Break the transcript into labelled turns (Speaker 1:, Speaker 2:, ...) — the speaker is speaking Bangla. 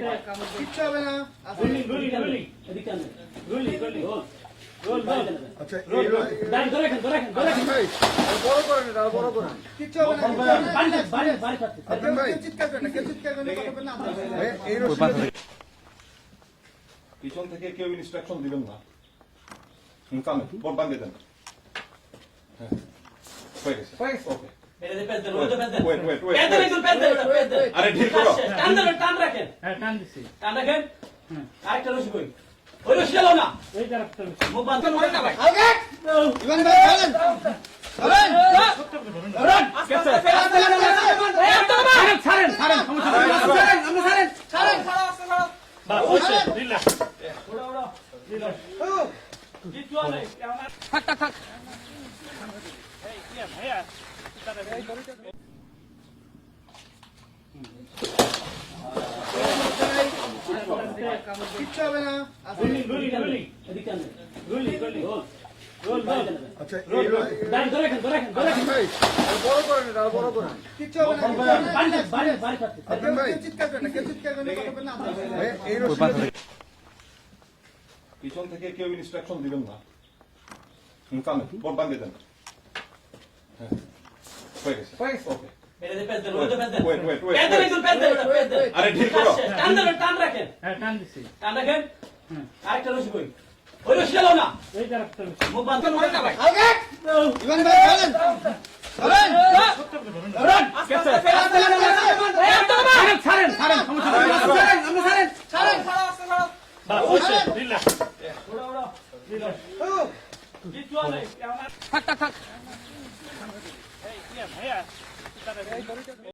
Speaker 1: কিচ্ছু হবে না। আচ্ছা বড় করেন এটা বড় করেন। কিচ্ছু হবে না। চিৎকার করেন না, কেউ চিৎকার করেন না। এই
Speaker 2: পিছন থেকে কেউ ইনস্ট্রাকশন দিবেন না। কামে বল বাঁধে দেন। হ্যাঁ হয়ে গেছে ওকে। আরে ঢিল করো।
Speaker 3: টান রাখেন। হ্যাঁ টান দিছি। টান রাখেন। আরেকটা রশি কই। ওই রশি গেল না। এই একটা রশি। মুখ বাঁধতে মরে না ভাই। আগে।
Speaker 1: ইভান ভাই চলেন। চলেন।
Speaker 3: ধরুন। কেসে। ছাড়েন ছাড়েন সমস্যা নাই। ছাড়েন। বাস হইছে দিলা। ওড়া। দিলা। জিতু আলে আমার থাক। এই কি ভাইয়া
Speaker 1: কিচ্ছু হবে না। আচ্ছা বড় করেন এটা বড় করেন। কিচ্ছু হবে না। চিৎকার করেন না, কেউ চিৎকার করেন না। এই
Speaker 2: পিছন থেকে কেউ ইনস্ট্রাকশন দিবেন না। কামে বল বাঁধে দেন। হ্যাঁ হয়ে গেছে ওকে। আরে ঢিল করো।
Speaker 3: টান রাখেন। হ্যাঁ টান দিছি। টান রাখেন। আরেকটা রশি কই। ওই রশি গেল না। এই একটা রশি। মুখ বাঁধতে মরে না ভাই। আগে।
Speaker 1: ইভান ভাই চলেন। চলেন।
Speaker 3: ধরুন। কেসে। ছাড়েন সমস্যা নাই। ছাড়েন। বাস হইছে দিলা। ওড়া। দিলা। জিতু আলে আমার থাক। এই কি ভাইয়া